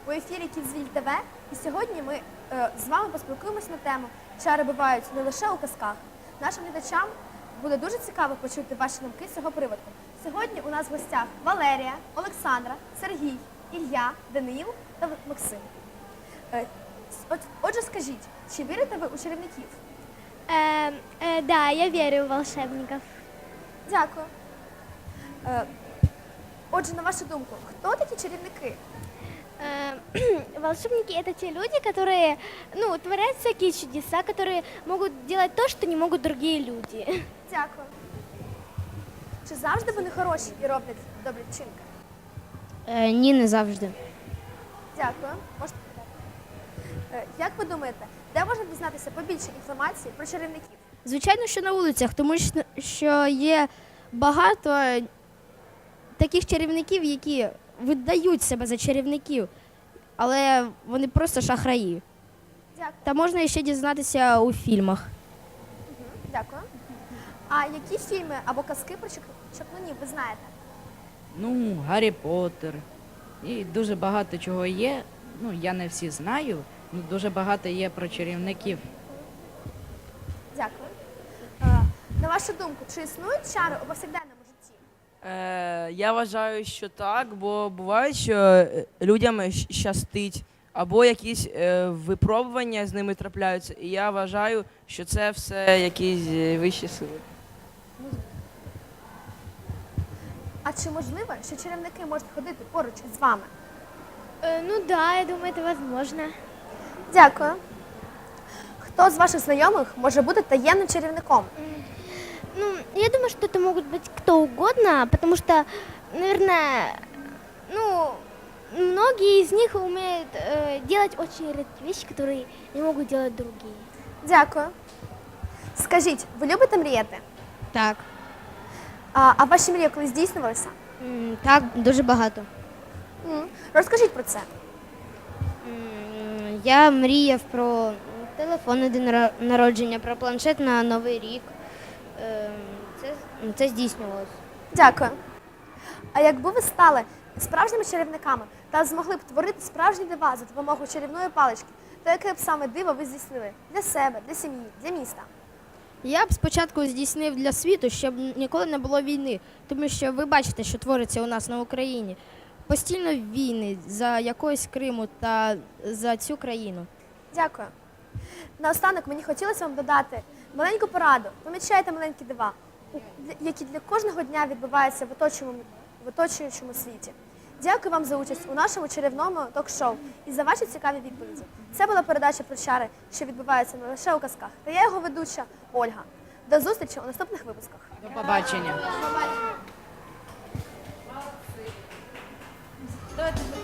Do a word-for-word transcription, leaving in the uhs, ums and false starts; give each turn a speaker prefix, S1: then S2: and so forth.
S1: У ефірі Кідзвіль ТВ, і сьогодні ми е, з вами поспілкуємося на тему «Чари бувають не лише у казках». Нашим глядачам буде дуже цікаво почути ваші думки з цього приводу. Сьогодні у нас в гостях Валерія, Олександра, Сергій, Ілля, Даниїл та Максим. Е, от, отже, скажіть, чи вірите ви у чарівників?
S2: Э, э, да, я верю в волшебников.
S1: Дякую. Е, отже, на вашу думку, хто такі чарівники?
S2: Э, волшебники — это те люди, которые, ну, творят всякие чудеса, которые могут делать то, что не могут другие люди.
S1: Дякую. Чи завжди вони хороші і роблять добрі вчинки?
S3: Е, ні, не завжди.
S1: Дякую. Можете питати. Е, Як ви думаєте, де можна дізнатися побільше інформації про чарівників?
S3: Звичайно, що на вулицях, тому що- що є багато таких чарівників, які видають себе за чарівників, але вони просто шахраї.
S1: Дякую.
S3: Та можна ще дізнатися у фільмах.
S1: Мгм. Дякую. А які фільми або казки про чак- чаклунів ви знаєте?
S4: Ну, Гаррі Поттер. І дуже багато чого є. Ну, я не всі знаю, але дуже багато є про чарівників.
S1: Дякую. Е, На вашу думку, чи існують чари у повсякденному житті?
S5: Е, я вважаю, що так, бо буває, що е, людям щ- щастить, або якісь е, випробування з ними трапляються. І я вважаю, що це все якісь е, вищі сили.
S1: А чи можливо, що чарівники можуть ходити поруч із вами?
S2: Э, ну да, я думаю, это возможно.
S1: Дякую. Хто з ваших знайомих може бути таємним чарівником?
S2: Ну, я думаю, что это могут быть кто угодно, потому что, наверное, ну, многие из них умеют э, делать очень редкие вещи, которые не могут делать другие.
S1: Дякую. Скажіть, ви любите мріяти?
S3: Так.
S1: А, а ваші мрії колись здійснювалися?
S3: М, Так, дуже багато.
S1: М, Розкажіть про це.
S3: М, Я мріяв про телефон на день наро- народження, про планшет на Новий рік. Ем, Це, це здійснювалося.
S1: Дякую. А якби ви стали справжніми чарівниками та змогли б творити справжні дива за допомогою чарівної палички, то яке б саме диво ви здійснили для себе, для сім'ї, для міста?
S3: Я б спочатку здійснив для світу, щоб ніколи не було війни, тому що ви бачите, що твориться у нас на Україні. Постійно війни за якогось Криму та за цю країну.
S1: Дякую. Наостанок мені хотілося вам додати маленьку пораду. Помічайте маленькі дива, у- для- які для кожного дня відбуваються в оточуючому, в оточуючому світі. Дякую вам за участь у нашому чарівному ток-шоу і за ваші цікаві відповіді. Це була передача про чари, що відбуваються не лише у казках. Та я його ведуча Ольга. До зустрічі у наступних випусках.
S4: До побачення.
S1: Давайте.